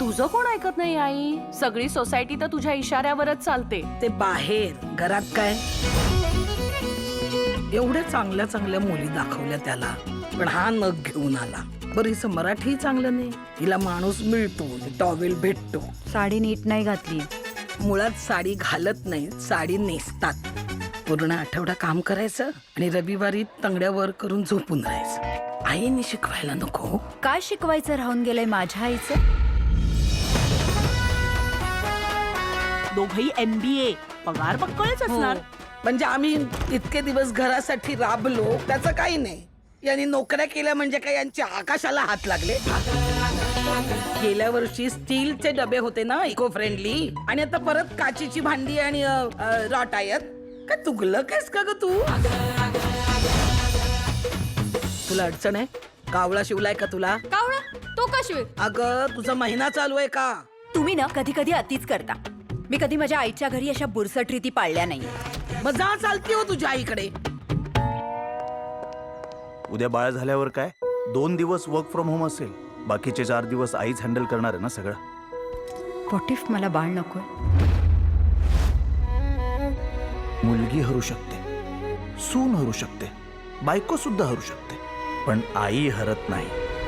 तुझं कोण ऐकत नाही आई? सगळी सोसायटी तर तुझ्या इशाऱ्यावरच चालते. ते बाहेर, घरात काय? एवढ्या चांगल्या चांगल्या मुली दाखवल्या त्याला, पण हा नग घेऊन आला. बरं, हिचं मराठी चांगलं नाही, हिला माणूस मिळतो, टॉवेल भेटतो. साडी नीट नाही घातली. मुळात साडी घालत नाही, साडी नेसतात. पूर्ण आठवडा काम करायचं आणि रविवारी तंगड्यावर करून झोपून राहायचं. आईने शिकवायला नको? काय शिकवायचं राहून गेलंय माझ्या आईचं? दोघही MBA, पगार पक्कळच असणार. म्हणजे आम्ही इतके दिवस घरासाठी राबलो, त्याचं काही नाही. यांनी नोकऱ्या केल्या म्हणजे काय यांच्या आकाशाला हात लागले? गेल्या वर्षी स्टीलचे डबे होते ना, इको फ्रेंडली, आणि आता परत काचीची भांडी आणि रॉट आहेत. काय तुगलं कायस का ग तू? तुला अडचण आहे? कावळा शिवलाय का तुला? कावळा? तो का शिवेल? अगं, तुझा महिना चालू आहे का? तुम्ही ना कधी कधी अतिच करता. मी कधी माझ्या आईच्या घरी अशा बुरसट रीती पाळल्या नाही. मग जा, चालती हो तुझ्या आईकडे. उद्या बाळ झाल्यावर काय? 2 दिवस वर्क फ्रॉम होम असेल, बाकीचे 4 दिवस आईच हँडल करणार आहे ना सगळं. व्हॉट इफ मला बाळ नकोय? मुलगी हरू शकते, सून हरू शकते, बायको सुद्धा हरू शकते, पण आई हरत नाही.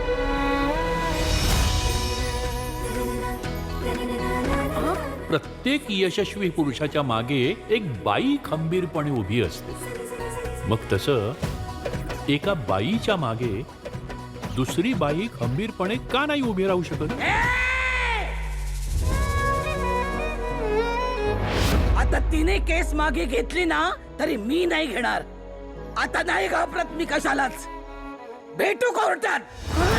प्रत्येक यशस्वी पुरुषाच्या मागे एक बाई खंबीरपणे उभी असते. मग तसं एका बाईच्या मागे दुसरी बाई खंबीरपणे का नाही उभी राहू शकत? आता तिने केस मागे घेतली ना, तरी मी नाही घेणार. आता नाही घाबरत मी कशालाच. भेटू कोर्टात.